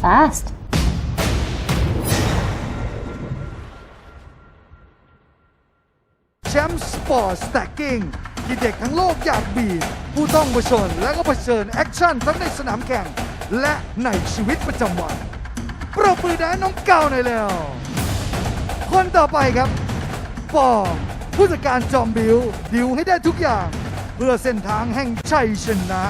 fast. แชมป์สปอร์ตสแต็กกิ้งที่เด็กทั้งโลกอยากบีบผู้ต้องเผชิญและก็เผชิญแอคชั่นทั้งในสนามแข่ง และในชีวิตประจำวันปรบมือได้น้องเก่าหน่อยแล้วคนต่อไปครับปอผู้จัดการจอมดิวให้ได้ทุกอย่าง เพื่อเส้นทางแห่งชัยชนะ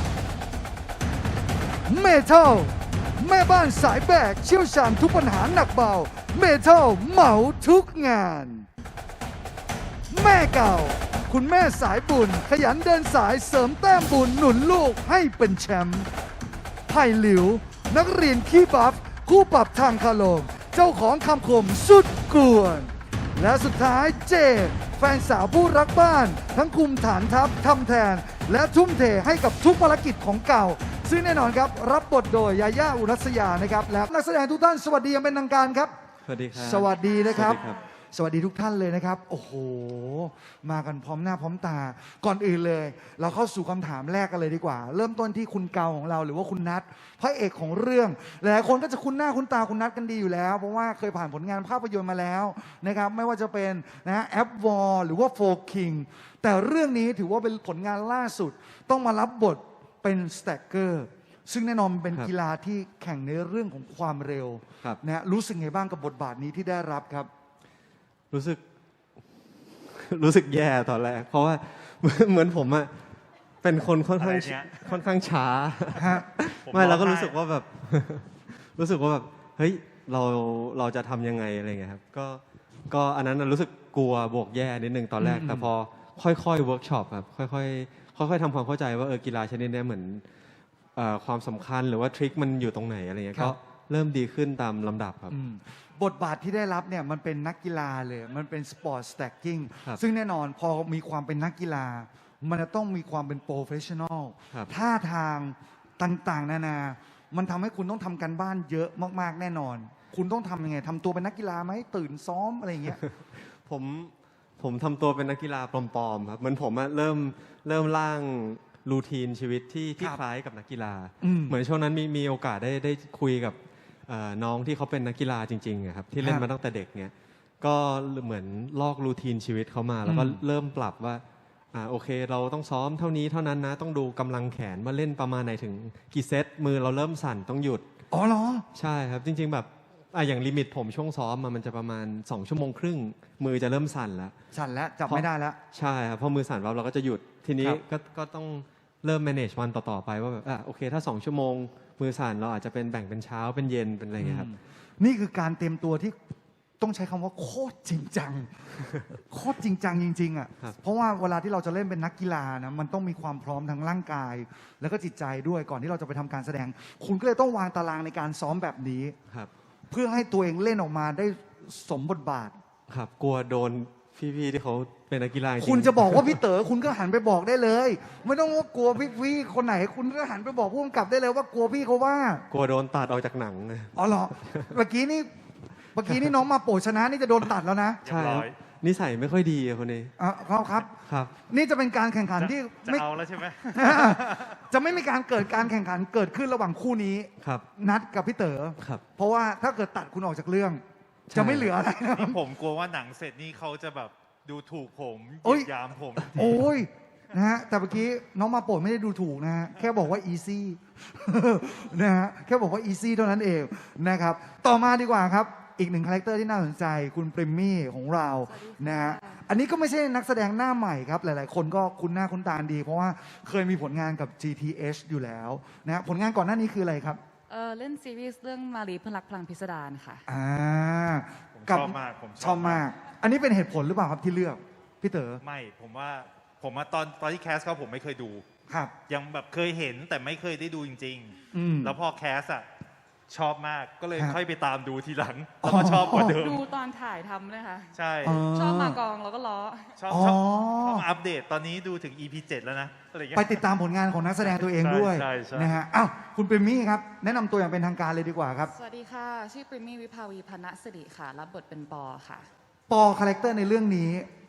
เมทัลแม่บ้านสายแบกเชี่ยวชาญทุกปัญหาหนักเบาเมทัลเหมาทุกงานแม่เก่าคุณแม่สายบุญขยันเดินสายเสริมแต้มบุญหนุนลูกให้เป็นแชมป์ไผ่หลิวนักเรียนขี้บัฟคู่ปรับทางคารมเจ้าของคำคมสุดกวนและสุดท้ายเจแฟนสาวผู้รักบ้านทั้งคุมฐานทัพทำแทนและทุ่มเทให้กับทุกภารกิจของเก่าซึ่งแน่นอนครับรับบทโดยยาย่าอุรัสยานะครับและนักแสดงทุกท่านสวัสดีอย่างเป็นทางการครับสวัสดีครับสวัสดีนะครับสวัสดีครับสวัสดีทุกท่านเลยนะครับโอ้โหมากันพร้อมหน้าพร้อมตาก่อนอื่นเลย เราเข้าสู่คำถามแรกกันเลยดีกว่า เริ่มต้นที่คุณเกาของเราหรือว่าคุณนัทพระเอกของเรื่องหลายคนก็จะคุ้นหน้าคุ้นตาคุณนัทกันดีอยู่แล้ว เพราะว่าเคยผ่านผลงานภาพยนตร์มาแล้วนะครับไม่ว่าจะเป็นนะแอปวอลหรือว่าโฟคิงแต่เรื่องนี้ถือว่าเป็นผลงานล่าสุดต้องมารับบทเป็นสแต็กเกอร์ซึ่งแน่นอนเป็นกีฬาที่แข่งในเรื่องของความเร็วนะรู้สึกไงบ้างกับบทบาทนี้ที่ได้รับครับรู้สึกแย่ตอนแรกเพราะว่าเหมือนผมอะเป็นคนค่อนข้างช้าไม่เราก็รู้สึกว่าแบบ รู้สึกว่าแบบเฮ้ยเราจะทำยังไงอะไรเงี้ยครับก็อันนั้นรู้สึกกลัวบวกแย่นิดนึงตอนแรกแต่พอค่อยๆเวิร์กช็อปครับค่อยๆทำความเข้าใจว่ากีฬาชนิดนี้เหมือนความสำคัญหรือว่าทริคมันอยู่ตรงไหนอะไรเงี้ยก็เริ่มดีขึ้นตามลำดับครับบทบาทที่ได้รับเนี่ยมันเป็นนักกีฬาเลยมันเป็นสปอร์ตสแต็กกิ้งซึ่งแน่นอนพอมีความเป็นนักกีฬามันจะต้องมีความเป็นโปรเฟชชั่นอลท่าทางต่างๆนานามันทำให้คุณต้องทำการบ้านเยอะมากๆแน่นอนคุณต้องทำยังไงทำตัวเป็นนักกีฬาไหมตื่นซ้อมอะไรอย่างเงี้ยผมทำตัวเป็นนักกีฬาปลอมๆครับเหมือนผมเริ่มร่างรูทีนชีวิตที่คล้ายกับนักกีฬาเหมือนช่วงนั้นมีโอกาสได้คุยกับน้องที่เขาเป็นนักกีฬาจริงๆครับที่เล่นมาตั้งแต่เด็กเนี่ยก็เหมือนลอกรูทีนชีวิตเขามาแล้วก็เริ่มปรับว่าโอเคเราต้องซ้อมเท่านี้เท่านั้นนะต้องดูกำลังแขนว่าเล่นประมาณไหนถึงกี่เซตมือเราเริ่มสั่นต้องหยุดอ๋อเหรอใช่ครับจริงๆแบบอย่างลิมิตผมช่วงซ้อมมันจะประมาณ2 ชั่วโมงครึ่งมือจะเริ่มสั่นแล้วจับไม่ได้แล้วใช่ครับพอมือสั่นเราก็จะหยุดทีนี้ก็ต้องเริ่ม manage วันต่อๆไปว่าแบบโอเคถ้า2 ชั่วโมงมือสั่นเราอาจจะเป็นแบ่งเป็นเช้าเป็นเย็นเป็นอะไรเงี้ยครับนี่คือการเตรียมตัวที่ต้องใช้คำว่าโคตรจริงจัง โคตรจริงจังจริงๆอ่ะเพราะว่าเวลาที่เราจะเล่นเป็นนักกีฬานะมันต้องมีความพร้อมทั้งร่างกาย แล้วก็จิตใจด้วยก่อนที่เราจะไปทำการแสดง คุณก็เลยต้องวางตารางในการซ้อมแบบนี้เพื่อให้ตัวเองเล่นออกมาได้สมบทบาทครับกลัวโดนพี่ๆที่เขาเป็นนักกีฬาคุณจะบอกว่าพี่เต๋อคุณก็หันไปบอกได้เลยไม่ต้องว่ากลัวพี่คนไหนคุณก็หันไปบอกผู้กำกับได้เลยว่ากลัวพี่เขาว่ากลัวโดนตัดออกจากหนังอ๋อเหรอเมื่อกี้นี่น้องมาโปรชนะนี่จะโดนตัดแล้วนะใช่นิสัยไม่ค่อยดีคนนี้ครับนี่จะเป็นการแข่งขันที่จะเอาแล้วใช่ไหมจะไม่มีการเกิดการแข่งขันเกิดขึ้นระหว่างคู่นี้นัดกับพี่เต๋อเพราะว่าถ้าเกิดตัดคุณออกจากเรื่องจะไม่เหลืออะไรนะผมกลัวว่าหนังเสร็จนี่เขาจะแบบดูถูกผมเหยียดยามผมโอ้ยนะฮะแต่เมื่อกี้น้องมาโปรดไม่ได้ดูถูกนะฮะแค่บอกว่า easy นะฮะแค่บอกว่า easy เท่านั้นเองนะครับต่อมาดีกว่าครับอีกหนึ่งคาแรคเตอร์ที่น่าสนใจคุณปริมมี่ของเรานะฮะอันนี้ก็ไม่ใช่นักแสดงหน้าใหม่ครับหลายๆคนก็คุ้นหน้าคุ้นตาดีเพราะว่าเคยมีผลงานกับ GTH อยู่แล้วนะผลงานก่อนหน้านี้คืออะไรครับเล่นซีรีส์เรื่องมารีเพื่อนรักพลังพิสดารค่ะชอบมากผมชอบมากอันนี้เป็นเหตุผลหรือเปล่าครับที่เลือกพี่เต๋อไม่ผมว่าตอนที่แคสเขาผมไม่เคยดูครับยังแบบเคยเห็นแต่ไม่เคยได้ดูจริงๆแล้วพอแคสชอบมากก็เลยค่อยไปตามดูทีหลังแล้วก็ชอบกว่าเดิมดูตอนถ่ายทำเลยค่ะใช่ชอบมากองแล้วก็ล้อชอบมาอัปเดตตอนนี้ดูถึง EP 7แล้วนะไปติดตามผลงานของนักแสดงตัวเองด้วยนะฮะอ้าวคุณปริมมี่ครับแนะนำตัวอย่างเป็นทางการเลยดีกว่าครับสวัสดีค่ะชื่อปริมมี่วิภาวีพนะสิริค่ะรับบทเป็นปอค่ะปอคาแรคเตอร์ในเรื่องนี้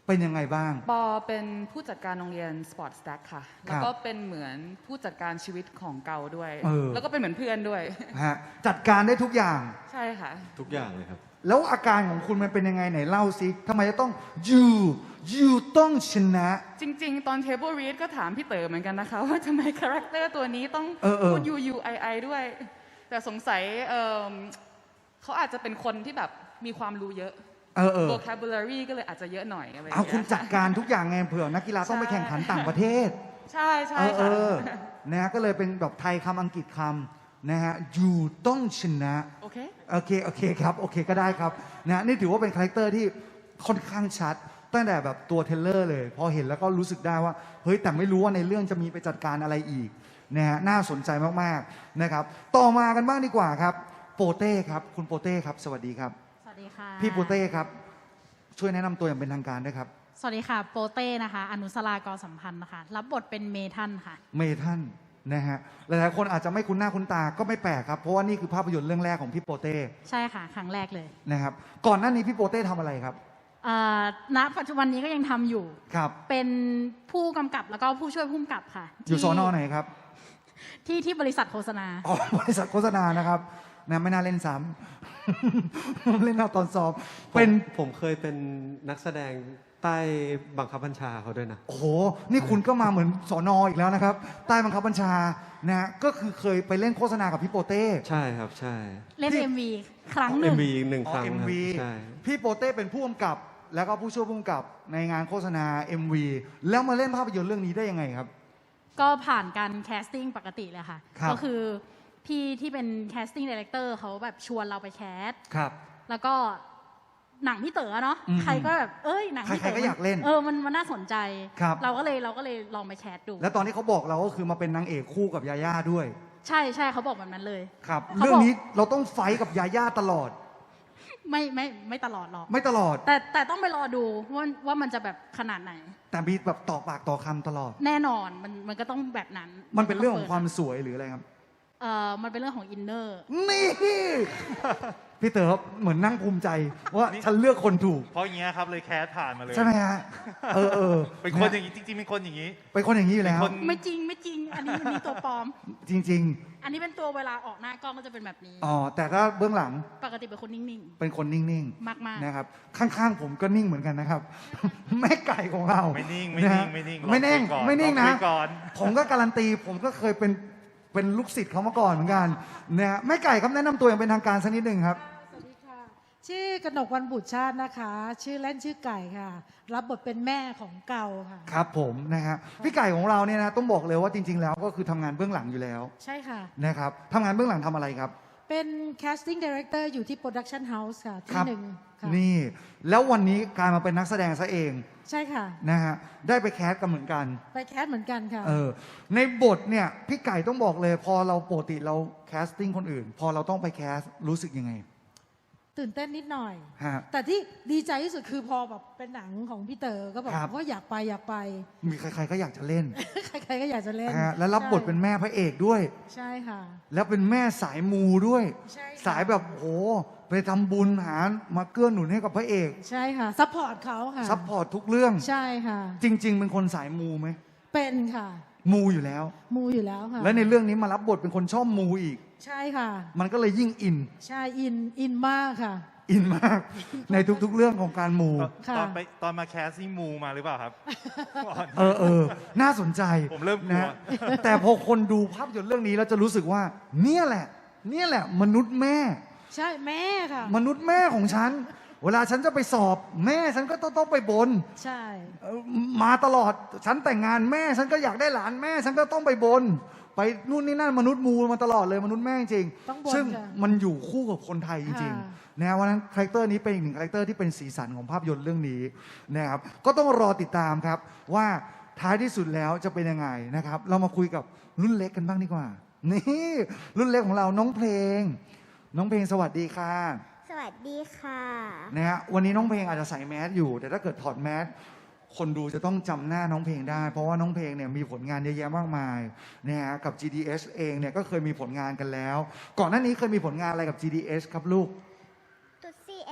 เป็นยังไงบ้างปอเป็นผู้จัดการโรงเรียน Sport Stack ค่ะ แล้วก็เป็นเหมือนผู้จัดการชีวิตของเกาด้วย แล้วก็เป็นเหมือนเพื่อนด้วยฮะจัดการได้ทุกอย่างใช่ค่ะทุกอย่างเลยครับแล้วอาการของคุณมันเป็นยังไงไหนเล่าสิทำไมจะต้องยูต้องชนะจริง ๆ ตอน Table Read ก็ถามพี่เต๋อเหมือนกันนะคะ ว่าทำไมคาแรคเตอร์ตัวนี้ต้องพูด UUII ด้วย แต่สงสัยเขาอาจจะเป็นคนที่แบบมีความรู้เยอะ vocabulary ก็เลยอาจจะเยอะหน่อยอะไรอย่างเอาเงี้ยคุณจัดการทุกอย่างไงเผื่อนักกีฬาต้องไปแข่งขันต่างประเทศใช่ใช่ค่ะนะฮะก็เลยเป็นแบบไทยคำอังกฤษคำนะฮะยูต้องชนะโอเคโอเคครับโอเคก็ได้ครับนะนี่ถือว่าเป็นคาแรคเตอร์ที่ค่อนข้างชัด ตั้งแต่แบบตัวเทรลเลอร์เลย พอเห็นแล้วก็รู้สึกได้ว่าเฮ้ยแต่ไม่รู้ว่าในเรื่องจะมีไปจัดการอะไรอีกนะฮะน่าสนใจมากๆนะครับต่อมากันบ้างดีกว่าครับโปเต้ครับคุณโปเต้ครับสวัสดีครับสวัสดีค่ะพี่โปเต้ครับช่วยแนะนำตัวอย่างเป็นทางการด้วยครับสวัสดีค่ะโปเต้นะคะอนุสรากรสัมพันธ์นะคะรับบทเป็นเมทันค่ะเมทันนะฮะหลายๆคนอาจจะไม่คุ้นหน้าคุ้นตาก็ไม่แปลกครับเพราะว่านี่คือภาพยนตร์เรื่องแรกของพี่โปเต้ใช่ค่ะ ครั้งแรกเลยนะครับก่อนหน้านี้พี่โปเต้ทำอะไรครับณปัจจุบันนี้ก็ยังทำอยู่ครับเป็นผู้กำกับแล้วก็ผู้ช่วยผู้กำกับค่ะอยู่สอนอไหนครับที่บริษัทโฆษณาอ๋อบริษัทโฆษณานะครับนะไม่น่าเล่นซ้ำ เล่นเอาตอนสอบ เป็นผมเคยเป็นนักแสดงใต้บังคับบัญชาเขาด้วยนะโอ้โหนี่คุณก็มาเหมือนสอนออีกแล้วนะครับ ใต้บังคับบัญชานะฮะก็คือเคยไปเล่นโฆษณากับพี่โปเต้ใช่ครับใช่เล่นพี่ MV ครั้งหนึ่ง MV หนึ่งครั้งเอ็คมรับวีใช่พี่โปเต้เป็นผู้กำกับ แล้วก็ผู้ช่วยผู้กำกับในงานโฆษณา MV แล้วมาเล่นภาพยนตร์เรื่องนี้ได้ยังไงครับก็ผ่านการแคสติ้งปกติเลยค่ะครับก็คือพี่ที่เป็นแคสติ้งดีเลกเตอร์เขาแบบชวนเราไปแคสครับแล้วก็หนังพี่เต๋อเนาะอืมใครก็แบบหนังพี่เต๋ใครๆก็อยากเล่นมันน่าสนใจครับเราก็เลยลองไปแคสดูแล้วตอนที่เขาบอกเราก็คือมาเป็นนางเอกคู่กับยาย่าด้วยใช่เขาบอกแบบนั้นเลยครับเขาบอกเรื่องนี้เราต้องไฟท์กับยาย่าตลอดไม่ตลอดหรอกไม่ตลอดแต่ต้องไปรอดูว่ามันจะแบบขนาดไหนแต่มีแบบต่อปากต่อคำตลอดแน่นอนมันก็ต้องแบบนั้นมันเป็นเรื่องของความสวยหรืออะไรครับมันเป็นเรื่องของอินเนอร์นี่ พี่เต๋อเหมือนนั่งภูมิใจว่าฉันเลือกคนถูกเพราะอย่างเงี้ยครับเลยแคสผ่านมาเลยใช่ไหมฮะเป็นคนอย่างนี้จริงๆเป็นคนอย่างนี้เป็นคนอย่างนี้อยู่แล้วเป็นคนไม่จริง อันนี้ตัวปลอมจริงอันนี้เป็นตัวเวลาออกหน้ากล้องก็จะเป็นแบบนี้ๆอ๋อแต่ถ้าเบื้องหลังปกติเป็นคนนิ่งเป็นคนนิ่งมากๆนะครับ ข้างๆผมก็นิ่งเหมือนกันนะครับ แม่ไก่ของเราไม่นิ่งะฮะไม่นิ่งไม่นิ่งลองคุยก่อนไม่นิ่งลองนะคุยก่อนผมก็การันตีผมก็เคยเป็นลูกศิษย์เขามาก่อนเหมือนกันนะฮะแม่ไก่ครับแนะนำตัวอย่างเป็นทางการสักนิดหนึ่งครับสวัสดีค่ะ ชื่อกนกวรรณบุตรชาตินะคะ ชื่อเล่นชื่อไก่ค่ะ รับบทเป็นแม่ของเกาค่ะครับผมนะฮะพี่ไก่ของเราเนี่ยนะต้องบอกเลยว่าจริง ๆ แล้วก็คือทำงานเบื้องหลังอยู่แล้วใช่ค่ะนะครับทำงานเบื้องหลังทำอะไรครับเป็น casting director อยู่ที่ production house ค่ะคที่รับหนึ่งค่ะนี่แล้ววันนี้กลายมาเป็นนักแสดงซะเองใช่ค่ะนะฮะได้ไปแคสกันเหมือนกันไปแคสเหมือนกันค่ะในบทเนี่ยพี่ไก่ต้องบอกเลยพอเราปกติเราแคสติ้งคนอื่น พอเราต้องไปแคสรู้สึกยังไงตื่นเต้นนิดหน่อยฮะแต่ที่ดีใจที่สุดคือพอแบบเป็นหนังของพี่เต๋อก็แบบครับว่าอยากไปมีใครๆก็อยากจะเล่นใครๆก็อยากจะเล่นฮะแล้วรับบทเป็นแม่พระเอกด้วยใช่ค่ะแล้วเป็นแม่สายมูด้วยใช่ค่ะสายแบบโหไปทำบุญหามาเกื้อหนุนให้กับพระเอกใช่ค่ะซัพพอร์ตเขาค่ะซัพพอร์ตทุกเรื่องใช่ค่ะจริง ๆ เป็นคนสายมูไหมเป็นค่ะมูอยู่แล้วมูอยู่แล้วค่ะและในเรื่องนี้มารับบทเป็นคนชอบมูอีกใช่ค่ะมันก็เลยยิ่งอินใช่อินมากค่ะอินมาก ในทุกๆเรื่องของการมูค่ะตอนมาแคสนี่มูมาหรือเปล่าครับน่าสนใจผมเริ่มกลัวนะแต่พอคนดูภาพยนตร์เรื่องนี้แล้วจะรู้สึกว่า เนี่ยแหละมนุษย์แม่ใช่แม่ค่ะมนุษย์แม่ของฉัน เวลาฉันจะไปสอบแม่ฉันก็ต้องไปบนใช่มาตลอดฉันแต่งงานแม่ฉันก็อยากได้หลานแม่ฉันก็ต้องไปบน ไปนู่นนี่นั่นมนุษย์มูมาตลอดเลยมนุษย์แม่จริงต้องบ่นซึ่งค่ะมันอยู่คู่กับคนไทยจริงค่ะๆนะวันนั้นคาแรคเตอร์นี้เป็นอีกหนึ่งคาแรคเตอร์ที่เป็นสีสันของภาพยนตร์เรื่องนี้นะครับก็ต้องรอติดตามครับว่าท้ายที่สุดแล้วจะเป็นยังไงนะครับ เรามาคุยกับรุ่นเล็กกันบ้างดีกว่านี่รุ่นเล็กของเราน้องเพลงสวัสดีค่ะสวัสดีค่ะนะฮะวันนี้น้องเพลงอาจจะใส่แมสอยู่ แต่ถ้าเกิดถอดแมสคนดูจะต้องจำหน้าน้องเพลงได้ เพราะว่าน้องเพลงเนี่ยมีผลงานเยอะแยะมากมายนะฮะกับ GDS เองเนี่ยก็เคยมีผลงานกันแล้ว ก่อนหน้านี้เคยมีผลงานอะไรกับ GDS ครับลูกตุ๊ซี่แอน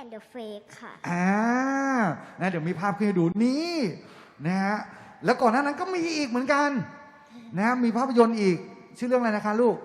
and the Fake ค่ะนะเดี๋ยวมีภาพขึ้นให้ดูนี่นะฮะแล้วก่อนหน้านั้นก็มีอีกเหมือนกันนะมีภาพยนตร์อีกชื่อเรื่องอะไรนะคะลูก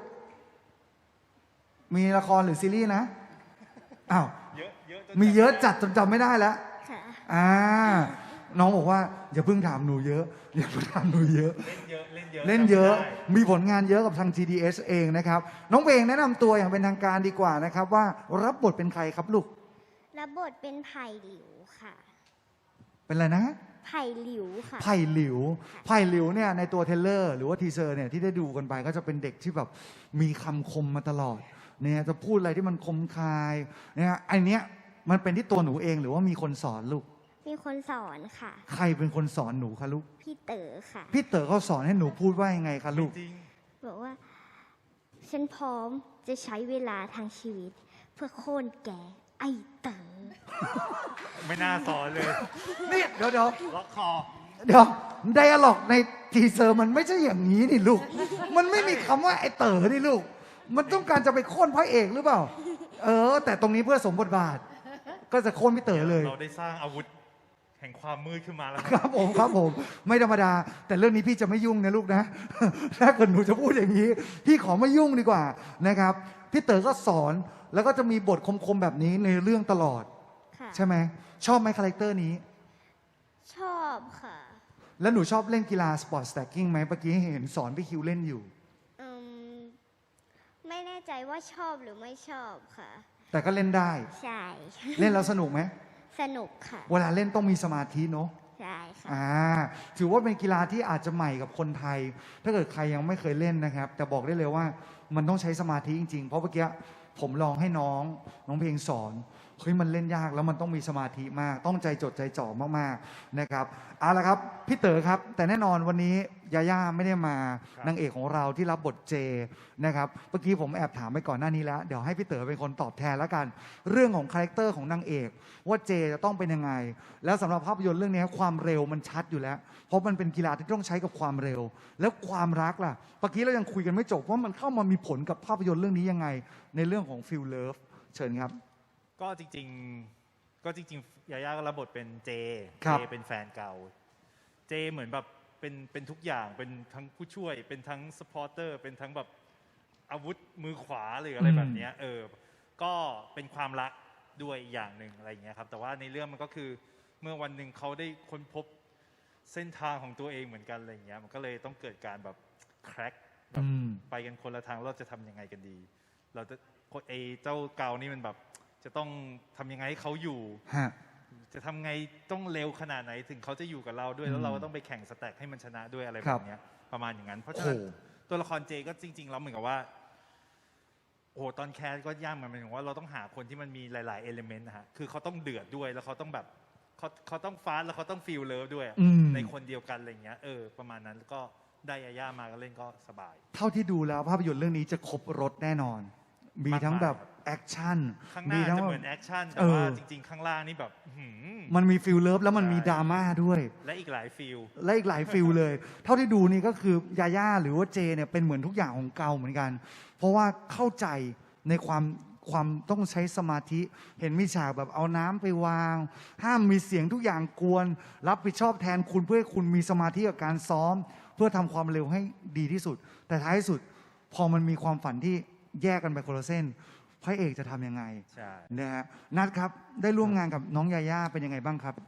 มีละครหรือซีรีส์นะอ้าวมีเยอะจัดจนจำไม่ได้แล้วค่ะน้องบอกว่าอย่าเพิ่งถามหนูเยอะอย่าเพิ่งถามหนูเยอะเล่นเยอะเล่นเยอะจำไม่ได้มีผลงานเยอะกับทาง GDS เองนะครับน้องเพลงแนะนำตัวอย่างเป็นทางการดีกว่านะครับว่ารับบทเป็นใครครับลูกรับบทเป็นไผ่หลิวค่ะเป็นอะไรนะไผ่หลิวค่ะไผ่หลิวเนี่ยในตัวเทรลเลอร์หรือว่าทีเซอร์เนี่ยที่ได้ดูกันไปก็จะเป็นเด็กที่แบบมีคำคมมาตลอดเนี่ยจะพูดอะไรที่มันคมคายเนี่ยอันเนี้ยมันเป็นที่ตัวหนูเองหรือว่ามีคนสอนลูกมีคนสอนค่ะใครเป็นคนสอนหนูคะลูกพี่เต๋อค่ะพี่เต๋อเขาสอนให้หนูพูดว่ายังไงคะลูกจริงบอกว่า ฉันพร้อมจะใช้เวลาทางชีวิต เพื่อโค่นแกไอ้เต๋อไม่น่าสอนเลยนี่เดี๋ยวล็อกคอไดอะล็อกในทีเซอร์มันไม่ใช่อย่างนี้นี่ลูก มันไม่มีคำว่าไอ้เต๋อนี่ลูก มันต้องการจะไปโค่นพระเอกหรือเปล่า แต่ตรงนี้เพื่อสมบทบาท ก็จะโค่นพี่เต๋อเลยเราได้สร้างอาวุธแห่งความมืดขึ้นมาแล้วครับผมไม่ธรรมดา แต่เรื่องนี้พี่จะไม่ยุ่งนะลูกนะ ถ้าเกิดหนูจะพูดอย่างนี้ พี่ขอไม่ยุ่งดีกว่านะครับพี่เต๋อก็สอนแล้วก็จะมีบทคมๆแบบนี้ในเรื่องตลอดค่ะใช่ไหมชอบไหมคาแรคเตอร์นี้ชอบค่ะแล้วหนูชอบเล่นกีฬาสปอร์ตสแต็กกิ้งไหมเมื่อกี้เห็นสอนพี่คิวเล่นอยู่อืมไม่แน่ใจว่าชอบหรือไม่ชอบค่ะแต่ก็เล่นได้ใช่เล่นแล้วสนุกไหมสนุกค่ะเวลาเล่นต้องมีสมาธิเนาะใช่ค่ะถือว่าเป็นกีฬาที่อาจจะใหม่กับคนไทย ถ้าเกิดใครยังไม่เคยเล่นนะครับ แต่บอกได้เลยว่ามันต้องใช้สมาธิจริงๆ เพราะเมื่อกี้ผมลองให้น้องเพลงสอนเฮ้ยมันเล่นยากแล้วมันต้องมีสมาธิมาก ต้องใจจดใจจ่อมากๆนะครับเอาละครับพี่เต๋อครับ แต่แน่นอนวันนี้ยาย่าไม่ได้มานางเอกของเราที่รับบทเจนะครับเมื่อกี้ผมแอบถามไปก่อนหน้านี้แล้วเดี๋ยวให้พี่เต๋อเป็นคนตอบแทนแล้วกัน เรื่องของคาแรคเตอร์ของนางเอกว่าเจจะต้องเป็นยังไง แล้วสำหรับภาพยนตร์เรื่องนี้ความเร็วมันชัดอยู่แล้ว เพราะมันเป็นกีฬาที่ต้องใช้กับความเร็ว แล้วความรักล่ะเมื่อกี้เรายังคุยกันไม่จบว่ามันเข้ามามีผลกับภาพยนตร์เรื่องนี้ยังไง ในเรื่องของฟิลเลิฟเชิญครับก็จริงๆยาย่าก็รับบทเป็นเจครับเป็นแฟนเก่า เจเหมือนแบบเป็นทุกอย่างเป็นทั้งผู้ช่วย เป็นทั้งสปอร์เตอร์เป็นทั้งแบบอาวุธมือขวาหรืออะไรแบบเนี้ยก็เป็นความรักด้วยอีกอย่างหนึ่งอะไรอย่างเงี้ยครับแต่ว่าในเรื่องมันก็คือเมื่อวันหนึ่งเขาได้ค้นพบเส้นทางของตัวเองเหมือนกันอะไรอย่างเงี้ยมันก็เลยต้องเกิดการแบบแคร็กแบบไปกันคนละทางเราจะทำยังไงกันดี เราจะเจ้าเก่านี่มันแบบจะต้องทำยังไงให้เขาอยู่ จะทำไงต้องเร็วขนาดไหนถึงเขาจะอยู่กับเราด้วยแล้วเราก็ต้องไปแข่งสแต็กให้มันชนะด้วยอะไรแบบเนี้ยประมาณอย่างนั้นเพราะฉะนั้นตัวละครเจก็จริงๆแล้วเหมือนกับว่าโอ้ตอนแคสก็ยากเหมือนกันว่าเราต้องหาคนที่มันมีหลายๆเอลิเมนต์นะฮะคือเขาต้องเดือดด้วยแล้วเขาต้องแบบเขาต้องฟาสแล้วเขาต้องฟีลเลิฟด้วยในคนเดียวกันอะไรเงี้ยประมาณนั้นก็ได้ยาย่ามาก็เล่นก็สบายเท่าที่ดูแล้วภาพยนตร์เรื่องนี้จะครบรถแน่นอน มีทั้งแบบแอคชั่นข้างหน้าจะเหมือนแอคชั่นแต่ว่าจริงๆข้างล่างนี่แบบมันมีฟิลเลิฟแล้วมันมีดราม่าด้วยและอีกหลายฟิลเลย เท่าที่ดูนี่ก็คือยาย่าหรือว่าเจเนี่ยเป็นเหมือนทุกอย่างของเกาเหมือนกัน เพราะว่าเข้าใจในความต้องใช้สมาธิเห็นมีฉากแบบเอาน้ำไปวาง ห้ามมีเสียงทุกอย่างกวนรับผิดชอบแทนคุณเพื่อให้คุณมีสมาธิกับการซ้อม เพื่อทำความเร็วให้ดีที่สุด แต่ท้ายสุดพอมันมีความฝันที่แยกกันไปคนละเส้นพระเอกจะทำยังไงนะฮะนัทครับได้ร่วมงานกับน้องยาย่าเป็นยังไงบ้างครับ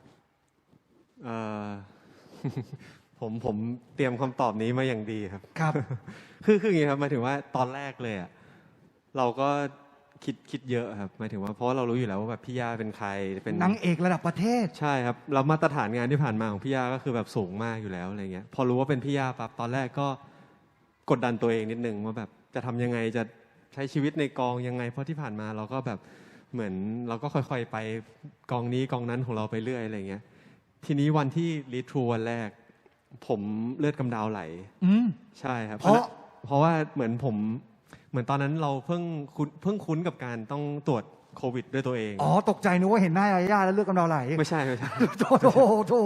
ผมเตรียมคำตอบนี้มาอย่างดีครับครับคืออย่างนี้ครับหมายถึงว่าตอนแรกเลยอ่ะเราก็คิดเยอะครับหมายถึงว่าเพราะเรารู้อยู่แล้วว่าแบบพี่ย่าเป็นใครเป็นนางเอกระดับประเทศใช่ครับเรามาตรฐานงานที่ผ่านมาของพี่ย่าก็คือแบบสูงมากอยู่แล้วอะไรเงี้ยพอรู้ว่าเป็นพี่ย่าปั๊บตอนแรกก็กดดันตัวเองนิดนึงว่าแบบจะทำยังไงจะใช้ชีวิตในกองยังไงเพราะที่ผ่านมาเราก็แบบเหมือนเราก็ค่อยๆไปกองนี้กองนั้นของเราไปเรื่อยอะไรเงี้ยทีนี้วันที่รีทรูวันแรกผมเลือดกำเดาไหลใช่ครับเพราะว่าเหมือนตอนนั้นเราเพิ่งคุ้นกับการต้องตรวจโควิดด้วยตัวเองตกใจนึกว่าเห็นหน้ายาย่าแล้วเลือดกำเดาไหลไม่ใช่โถ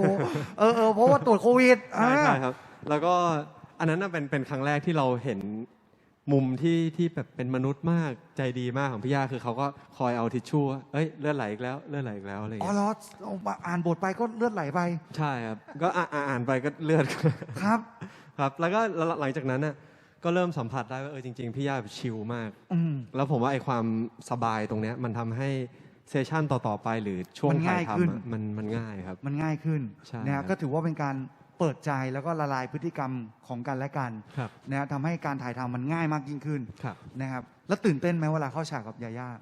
เพราะว่าตรวจโควิดใช่ครับแล้วก็อันนั้นเป็นครั้งแรกที่เราเห็นมุมที่แบบเป็นมนุษย์มากใจดีมากของพี่ย่าคือเขาก็คอยเอาทิชชู่เอ้ยเลือดไหลอีกแล้วเลือดไหลอีกแล้วอะไรอย่างอ๋อเงี้ยเหรอเอามาอ่านบทไปก็เลือดไหลไปใช่ครับก็อ่านไปก็เลือดครับครับแล้วก็หลังจากนั้นน่ะก็เริ่มสัมผัสได้ว่าจริงๆพี่ย่าแบบชิลมากอืมแล้วผมว่าไอ้ความสบายตรงเนี้ยมันทำให้เซสชั่นต่อๆไปหรือช่วงมันถ่าง่ายยขึ้นทำอะมันง่ายครับมันง่ายขึ้นใช่นะครัฮะบก็ถือว่าเป็นการเปิดใจแล้วก็ละลายพฤติกรรมของกันและกันครับนะฮะทำให้การถ่ายทำมันง่ายมากยิ่งขึ้นครับนะครับแล้วตื่นเต้นไหมเวลาเข้าฉากกับยาย่า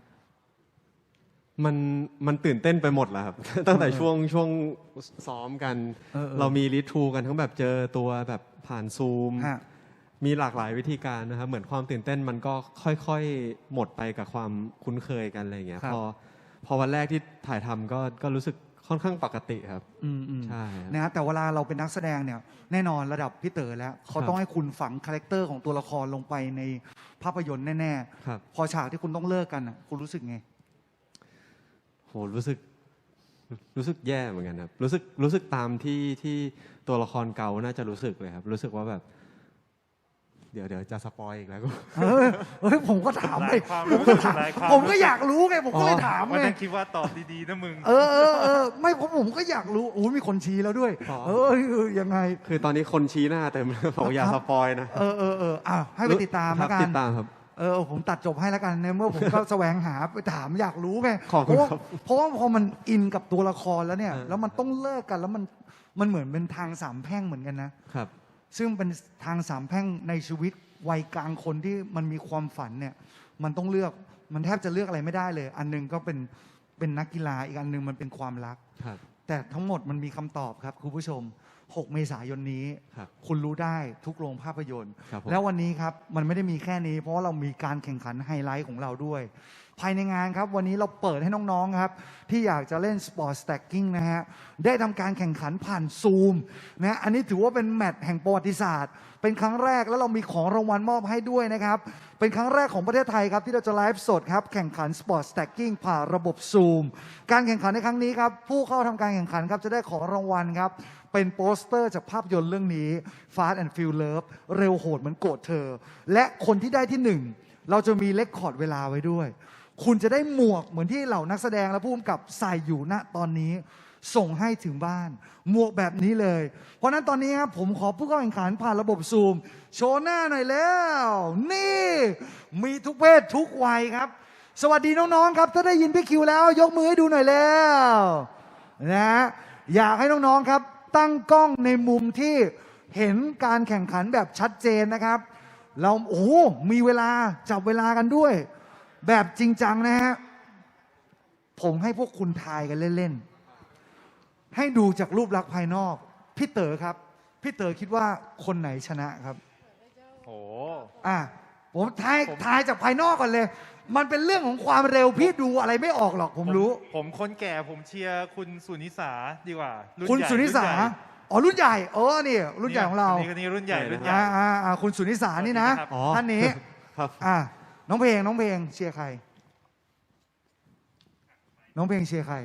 มันตื่นเต้นไปหมดแล้วครับ ตั้งแต่ช่วงซ้อมกัน เรามีรีทูกันทั้งแบบเจอตัวแบบผ่านซูมฮะมีหลากหลายวิธีการนะครับ เหมือนความตื่นเต้นมันก็ค่อยๆหมดไปกับความคุ้นเคยกันอะไรอย่างเงี้ยครับพอวันแรกที่ถ่ายทำก็รู้สึกค่อนข้างปกติครับอืมใช่ครับนะฮะแต่เวลาเราเป็นนักแสดงเนี่ยแน่นอนระดับพี่เต๋อแล้วเขาครับต้องให้คุณฝังคาแรคเตอร์ของตัวละครลงไปในภาพยนตร์แน่ครับๆพอฉากที่คุณต้องเลิกกันอ่ะคุณรู้สึกไงโหรู้สึกแย่เหมือนกันครับรู้สึกตามที่ตัวละครเก่าน่าจะรู้สึกเลยครับ รู้สึกว่าแบบ เดี๋ยวจะสปอยอีกแล้วก็เฮ้ยผมก็ถามหไปลายความผมก็ถามหลายความผมก็อยากรู้ไงผมก็เลยถามวันไงนั้นคิดว่าตอบดีๆนะมึงไม่ผมก็อยากรู้โอ้ยมีคนชี้แล้วด้วยอ๋อยังไงคือตอนนี้คนชี้หน้าเต็มเลยบอกอย่าสปอยนะให้ไปติดตามแล้วกัตินดตามครับผมตัดจบให้แล้วกันในเมื่อผมก็ แสวงหาไปถามอยากรู้ไงขอบคุณครับเพราะว่าพอมันอินกับตัวละครแล้วเนี่ยเออแล้วมันต้องเลิกกันแล้วมันเหมือนเป็นทางสามแพร่งเหมือนกันนะครับ ซึ่งเป็นทางสามแพร่งในชีวิตวัยกลางคนที่มันมีความฝันเนี่ย มันต้องเลือกมันแทบจะเลือกอะไรไม่ได้เลย อันหนึงก็เป็นนักกีฬาอีกอันหนึงมันเป็นความรักครับแต่ทั้งหมดมันมีคำตอบครับคุณผู้ชม 6 เมษายนนี้ครับคุณรู้ได้ทุกโรงภาพยนตร์ครับผมแล้ววันนี้ครับ มันไม่ได้มีแค่นี้ เพราะว่าเรามีการแข่งขันไฮไลท์ของเราด้วย ภายในงานครับ วันนี้เราเปิดให้น้องๆครับ ที่อยากจะเล่นสปอร์ตสแต็กกิ้งนะฮะ ได้ทำการแข่งขันผ่านซูมนะอันนี้ถือว่าเป็นแมตช์แห่งประวัติศาสตร์ เป็นครั้งแรกแล้วเรามีของรางวัลมอบให้ด้วยนะครับ เป็นครั้งแรกของประเทศไทยครับที่เราจะไลฟ์สดครับแข่งขันสปอร์ตสแต็กกิ้งผ่านระบบซูมการแข่งขันในครั้งนี้ครับผู้เข้าทำการแข่งขันครับจะได้ของรางวัลครับเป็นโปสเตอร์จากภาพยนตร์เรื่องนี้ Fast and Furious เร็วโหดเหมือนโกรธเธอ และคนที่ได้ที่หนึ่งเราจะมีเลคคอร์ดเวลาไว้ด้วย คุณจะได้หมวกเหมือนที่เหล่านักแสดงและผู้กำกับใส่อยู่ณตอนนี้ ส่งให้ถึงบ้าน หมวกแบบนี้เลย เพราะฉะนั้นตอนนี้ครับผมขอผู้เข้าแข่งขันผ่านระบบซูม โชว์หน้าหน่อยแล้ว นี่ มีทุกเพศทุกวัยครับ สวัสดีน้องๆครับถ้าได้ยินพี่คิวแล้ว ยกมือให้ดูหน่อยแล้วนะอยากให้น้องๆครับ ตั้งกล้องในมุมที่เห็นการแข่งขันแบบชัดเจนนะครับ เรามีเวลาจับเวลากันด้วย แบบจริงจังนะฮะผมให้พวกคุณทายกันเล่นๆให้ดูจากรูปลักษณ์ภายนอกพี่เต๋อครับพี่เต๋อคิดว่าคนไหนชนะครับโอ้ผมทายจากภายนอกก่อนเลย มันเป็นเรื่องของความเร็วพี่ดูอะไรไม่ออกหรอกผมรู้ผมคนแก่ผมเชียร์คุณสุนิสาดีกว่ารุ่นคุณใหญ่สุนิสารุ่นใหญ่อ๋อรุ่นใหญ่นี่รุ่นใหญ่ของเราคนนี้รุ่นใหญ่รุ่นใหญ่คุณสุนิสานี่นะสวัสดีครับอ๋อท่านนี้ครับน้องเพลงเชียร์ใคร น้องเพลงเชียร์ใคร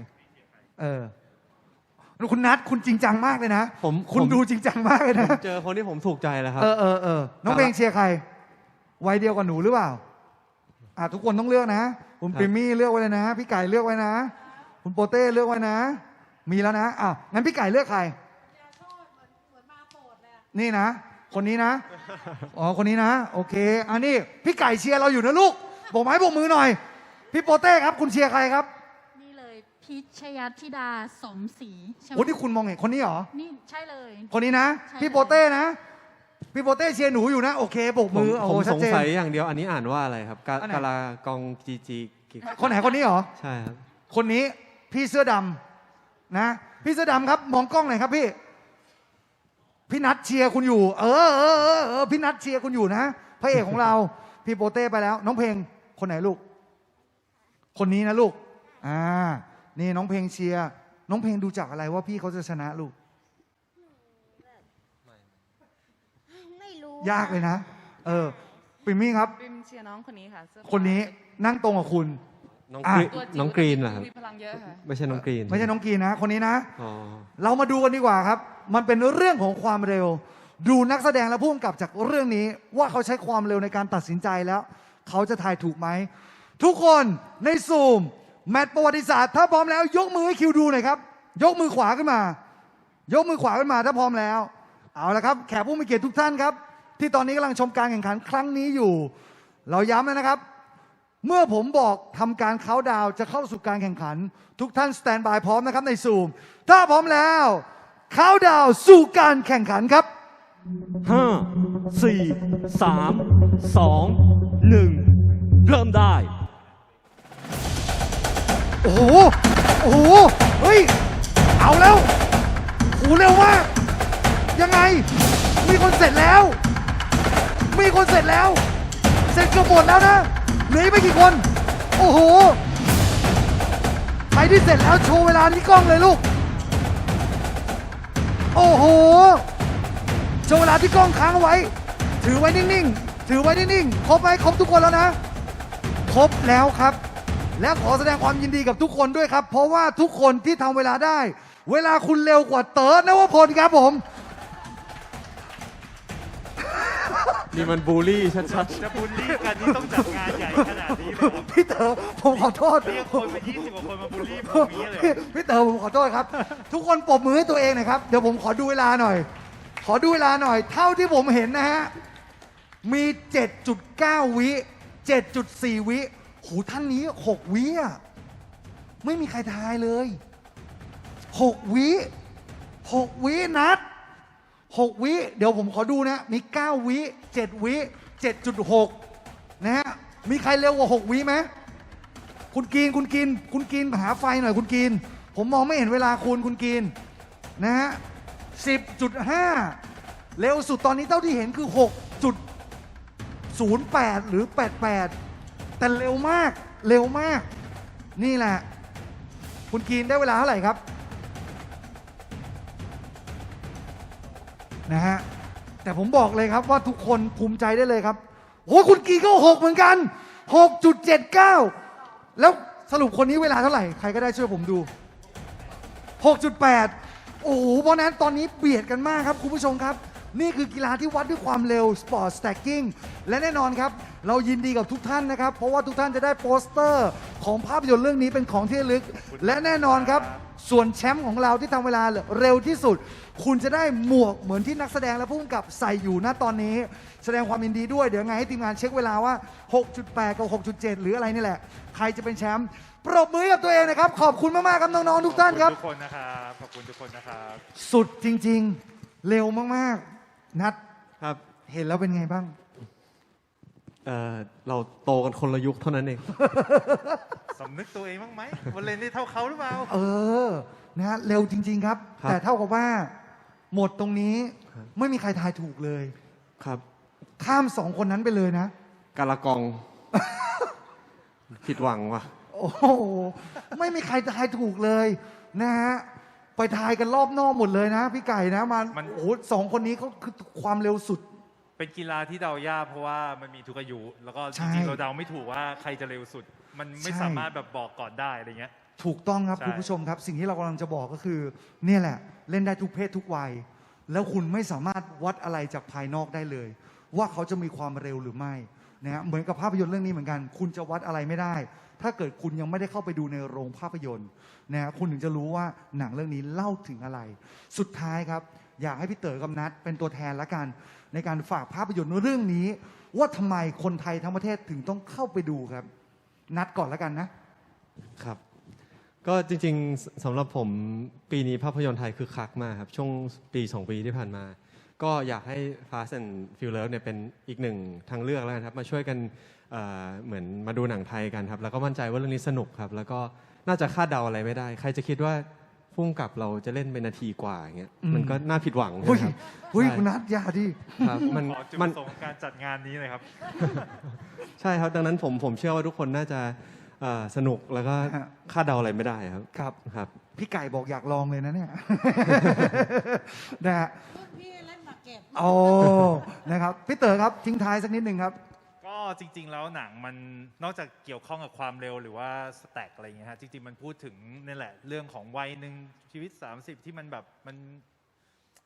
คุณนัทคุณจริงจังมากเลยนะ คุณดูจริงจังมากเลยผนะมเจอคนที่ผมถูกใจแล้วครับน้องเพลงเชียร์ใครวัยเดียวกับหนูหรือเปล่าทุกคนต้องเลือกนะคุณครับปิมมี่เลือกไว้เลยนะ พี่ไก่เลือกไว้นะ คุณโปเต้เลือกไว้นะ มีแล้วนะงั้นพี่ไก่เลือกใครนี่นะ คนนี้นะคนนี้นะ โอเคอันนี้พี่ไก่เชียร์เราอยู่นะลูกบอกไม้บอกมือหน่อย พี่โปเต้ครับคุณเชียร์ใครครับนี่เลยพิชยธิดาสมศรีใช่ไหมโอ้ที่คุณมองเห็นคนนี้เหรอนี่ใช่เลยคนนี้นะใช่พี่โปเต้นะ พี่โปเต้เชียร์หนูอยู่นะ โอเคโบกผมมือผมชัสดงเจนสัยอย่างเดียวอันนี้อ่านว่าอะไรครับอันไหนกาลากองจีคนไหนคนนี้เหรอใช่ครับคนนี้พี่เสื้อดำนะพี่เสื้อดำครับมองกล้องหน่อยครับพี่นัทเชียร์คุณอยู่พี่นัทเชียร์คุณอยู่นะพระเอกของเรา พี่โปเต้ไปแล้ว น้องเพลงคนไหนลูก คนนี้นะลูกนี่น้องเพลงเชียร์น้องเพลงดูจากอะไรว่าพี่เขาจะชนะลูกไม่รู้ยากเลยนะปิมมี่ครับปิมเชียร์น้องคนนี้ค่ะเสื้อฟ้าคนนี้นั่งตรงกับคุณน้องอ่ะกรีนตัวจิ๋วน้องกรีนเหรอครับมีพลังเยอะค่ะไม่ใช่น้องกรีนไม่ใช่น้องกีนะ คนนี้นะอ๋อเรามาดูกันดีกว่าครับ มันเป็นเรื่องของความเร็วดูนักแสดงและผู้กำกับจากเรื่องนี้ว่าเขาใช้ความเร็วในการตัดสินใจแล้ว เขาจะทายถูกไหม ทุกคนในซูมแมตช์ประวัติศาสตร์ถ้าพร้อมแล้วยกมือให้คิวดูหน่อยครับ ยกมือขวาขึ้นมา ยกมือขวาขึ้นมาถ้าพร้อมแล้ว เอาละครับแขกผู้มีเกียรติทุกท่านครับ ที่ตอนนี้กำลังชมการแข่งขันครั้งนี้อยู่ เราย้ำนะครับ เมื่อผมบอกทำการเค้าน์ดาวน์จะเข้าสู่การแข่งขัน ทุกท่านสแตนบายพร้อมนะครับในซูมถ้าพร้อมแล้วเค้าน์ดาวน์สู่การแข่งขันครับ 5 4 3 2 1 เริ่มได้โอ้โห โอ้โห เฮ้ย เอาแล้วโหเร็วมาก ยังไง มีคนเสร็จแล้ว มีคนเสร็จแล้ว เสร็จเกือบหมดแล้วนะ เหลืออีกไม่กี่คน โอ้โห ใครที่เสร็จแล้วโชว์เวลาที่กล้องเลยลูก โอ้โห โชว์เวลาที่กล้องค้างเอาไว้ ถือไว้นิ่งๆ ถือไว้นิ่งๆ ครบไหมครบทุกคนแล้วนะ ครบแล้วครับ และขอแสดงความยินดีกับทุกคนด้วยครับ เพราะว่าทุกคนที่ทำเวลาได้ เวลาคุณเร็วกว่าเติร์ดนวพลครับผมนี่มันบูลลี่ชัดจะบูลลี่กันนี่ต้องจัดงานใหญ่ขนาดนี้เลยเหรอพี่เต๋อผมขอโทษเรียกคนมา20 กว่าคนมาบูลลี่ผมอย่างนี้เลยเหรอพี่เต๋อผมขอโทษครับ ทุกคนปรบมือให้ตัวเองหน่อยครับ เดี๋ยวผมขอดูเวลาหน่อย ขอดูเวลาหน่อย เท่าที่ผมเห็นนะฮะ มี 7.9 วิ 7.4 วิโหท่านนี้ 6 วิอะไม่มีใครทายเลย 6 วิ 6 วินัด 6 วิ เดี๋ยวผมขอดูนะ มี 9 วิ 7 วิ 7.6 นะฮะ มีใครเร็วกว่า 6 วิไหม คุณกินหาไฟหน่อยคุณกิน ผมมองไม่เห็นเวลาคุณกินนะฮะ 10.5 เร็วสุดตอนนี้เท่าที่เห็นคือ 6.08 หรือ 88 แต่เร็วมาก เร็วมาก นี่แหละ คุณกินได้เวลาเท่าไหร่ครับ นะฮะ แต่ผมบอกเลยครับว่าทุกคนภูมิใจได้เลยครับโอ้คุณกีก็ 6 เหมือนกัน 6.79 แล้วสรุปคนนี้เวลาเท่าไหร่ ใครก็ได้ช่วยผมดู 6.8 โอ้โห เพราะนั้นตอนนี้เบียดกันมากครับคุณผู้ชมครับ นี่คือกีฬาที่วัดด้วยความเร็ว Sport Stacking และแน่นอนครับ เรายินดีกับทุกท่านนะครับ เพราะว่าทุกท่านจะได้โปสเตอร์ของภาพยนตร์เรื่องนี้เป็นของที่ระลึก และแน่นอนครับ ส่วนแชมป์ของเราที่ทำเวลาเร็วที่สุด คุณจะได้หมวกเหมือนที่นักแสดงและผู้กำกับใส่อยู่ณตอนนี้ แสดงความยินดีด้วย เดี๋ยวไงให้ทีมงานเช็คเวลาว่า 6.8 กับ 6.7 หรืออะไรนี่แหละ ใครจะเป็นแชมป์ ปรบมือกับตัวเองนะครับ ขอบคุณมากๆครับน้องๆทุกท่านครับขอบคุณทุกคนนะครับ ขอบคุณทุกคนนะครับสุดจริงๆ เร็วมากๆ นัดๆ ครับเห็นแล้วเป็นไงบ้างเราโตกันคนละยุคเท่านั้นเองสำนึกตัวเองบ้างไหมวันเล่นได้เท่าเขาหรือเปล่าเออ นะฮะ เร็วจริง ๆ ครับครับแต่เท่ากับว่า หมดตรงนี้ไม่มีใครทายถูกเลยครับข้าม 2 คนนั้นไปเลยนะกาละกอง ผิดหวังว่ะโอ้โห ไม่มีใครทายถูกเลยนะฮะ ไปทายกันรอบนอกหมดเลยนะ พี่ไก่นะมันโอ้โหสองคนนี้เขาคือความเร็วสุดเป็นกีฬาที่เดายากเพราะว่ามันมีทุกอายุ แล้วก็ใช่จริงๆเราเดาไม่ถูกว่าใครจะเร็วสุด มันไม่ใช่สามารถแบบบอกก่อนได้อะไรเงี้ยถูกต้องครับใช่คุณผู้ชมครับ สิ่งที่เรากำลังจะบอกก็คือ เนี่ยแหละ เล่นได้ทุกเพศทุกวัย แล้วคุณไม่สามารถวัดอะไรจากภายนอกได้เลย ว่าเขาจะมีความเร็วหรือไม่นะฮะเหมือนกับภาพยนตร์เรื่องนี้เหมือนกัน คุณจะวัดอะไรไม่ได้ ถ้าเกิดคุณยังไม่ได้เข้าไปดูในโรงภาพยนตร์นะฮะคุณถึงจะรู้ว่าหนังเรื่องนี้เล่าถึงอะไร สุดท้ายครับ อยากให้พี่เต๋อกับนัทเป็นตัวแทนละกัน ในการฝากภาพยนตร์เรื่องนี้ ว่าทำไมคนไทยทั้งประเทศถึงต้องเข้าไปดูครับ นัดก่อนละกันนะครับ ก็จริงๆสำหรับผมปีนี้ภาพยนตร์ไทยคือคักมากครับ ช่วงปี2 ปีที่ผ่านมา ก็อยากให้ Fast and Furious เนี่ยเป็นอีกหนึ่งทางเลือกแล้วกันครับ มาช่วยกันเหมือนมาดูหนังไทยกันครับ แล้วก็มั่นใจว่าเรื่องนี้สนุกครับ แล้วก็น่าจะคาดเดาอะไรไม่ได้ ใครจะคิดว่าพุ่งกับเราจะเล่นเป็นนาทีกว่าอย่างเงี้ยมันก็น่าผิดหวังหุ้ยนะครับหุ้ยใช่คุณนัทอย่าดิครับมันขอจุดปมันระสงค์ของการจัดงานนี้เลยครับใช่ครับ ดังนั้นผมเชื่อว่าทุกคนน่าจะสนุกแล้วก็ฮะคาดเดาอะไรไม่ได้ครับครับครับพี่ไก่บอกอยากลองเลยนะเนี่ย นะฮะรุ่นพี่เล่นหมากเก็บโอ้นะครับพี่เต๋อครับทิ้งท้ายสักนิดหนึ่งครับก็จริง ๆ แล้วหนังมันนอกจากเกี่ยวข้องกับความเร็วหรือว่าสแต็กอะไรอย่างเงี้ยฮะจริง ๆ มันพูดถึงนี่แหละเรื่องของวัยหนึ่งชีวิต 30 ที่มันแบบมัน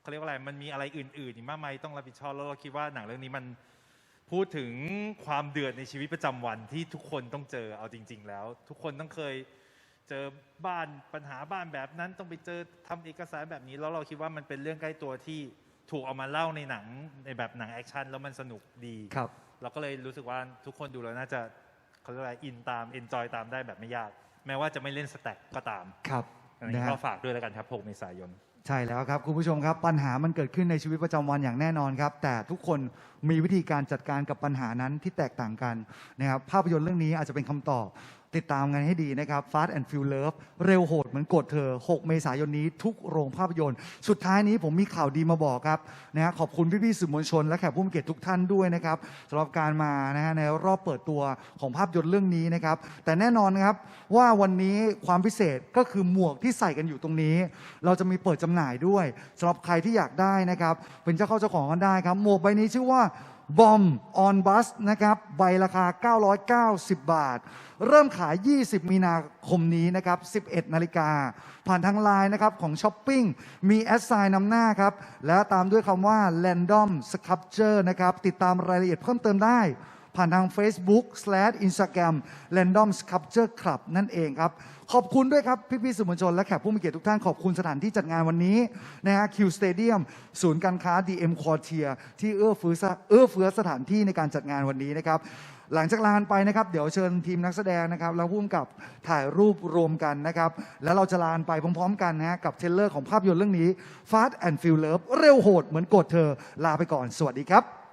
เขาเรียกว่าอะไรมันมีอะไรอื่นๆอีกมากมายต้องรับผิดชอบแล้วเราคิดว่าหนังเรื่องนี้มันพูดถึงความเดือดในชีวิตประจำวันที่ทุกคนต้องเจอเอาจริง ๆ แล้ว ทุกคนต้องเคยเจอบ้านปัญหาบ้านแบบนั้นต้องไปเจอทำเอกสารแบบนี้แล้วเราคิดว่ามันเป็นเรื่องใกล้ตัวที่ถูกเอามาเล่าในหนังในแบบหนังแอคชั่นแล้วมันสนุกดีครับเราก็เลยรู้สึกว่าทุกคนดูแล้วน่าจะเขาเรียกว่าอินตามเอนจอยตามได้แบบไม่ยากแม้ว่าจะไม่เล่นสแต็กก็ตามครับอันนี้ก็ฝากด้วยแล้วกันครับ6 เมษายนใช่แล้วครับคุณผู้ชมครับปัญหามันเกิดขึ้นในชีวิตประจำวันอย่างแน่นอนครับแต่ทุกคนมีวิธีการจัดการกับปัญหานั้นที่แตกต่างกันนะครับภาพยนตร์เรื่องนี้อาจจะเป็นคำตอบติดตามกันให้ดีนะครับ Fast and Furious Love เร็วโหดเหมือนกดเธอ6 เมษายนนี้ทุกโรงภาพยนตร์สุดท้ายนี้ผมมีข่าวดีมาบอกครับนะฮะขอบคุณพี่ๆสื่อมวลชนและแขกผู้มีเกียรติทุกท่านด้วยนะครับสำหรับการมานะฮะในรอบเปิดตัวของภาพยนตร์เรื่องนี้นะครับแต่แน่นอนครับว่าวันนี้ความพิเศษก็คือหมวกที่ใส่กันอยู่ตรงนี้เราจะมีเปิดจำหน่ายด้วยสำหรับใครที่อยากได้นะครับเป็นเจ้าของกันได้ครับหมวกใบนี้ชื่อว่าบอมออนบัสนะครับใบราคา990 บาทเริ่มขาย 20 มีนาคมนี้นะครับ 11 นาฬิกาผ่านทางไลน์นะครับของช้อปปิ้งมีแอดไซน์นำหน้าครับและตามด้วยคำว่า Random Sculpture นะครับติดตามรายละเอียดเพิ่มเติมได้ผ่านทาง Facebook/Instagram Random Sculpture Club นั่นเองครับขอบคุณด้วยครับพี่ๆสื่อมวลชนและแขกผู้มีเกียรติทุกท่านขอบคุณสถานที่จัดงานวันนี้นะฮะ Q Stadium ศูนย์การค้า DM Quartier ที่เอื้อเฟื้อสถานที่ในการจัดงานวันนี้นะครับหลังจากลาไปนะครับเดี๋ยวเชิญทีมนักแสดงนะครับแล้วร่วมกับถ่ายรูปรวมกันนะครับแล้วเราจะลาไปพร้อมๆกันนะฮะกับเทรลเลอร์ของภาพยนตร์เรื่องนี้ Fast and Furious Love เร็วโหดเหมือนกดเธอลาไปก่อนสวัสดีครับ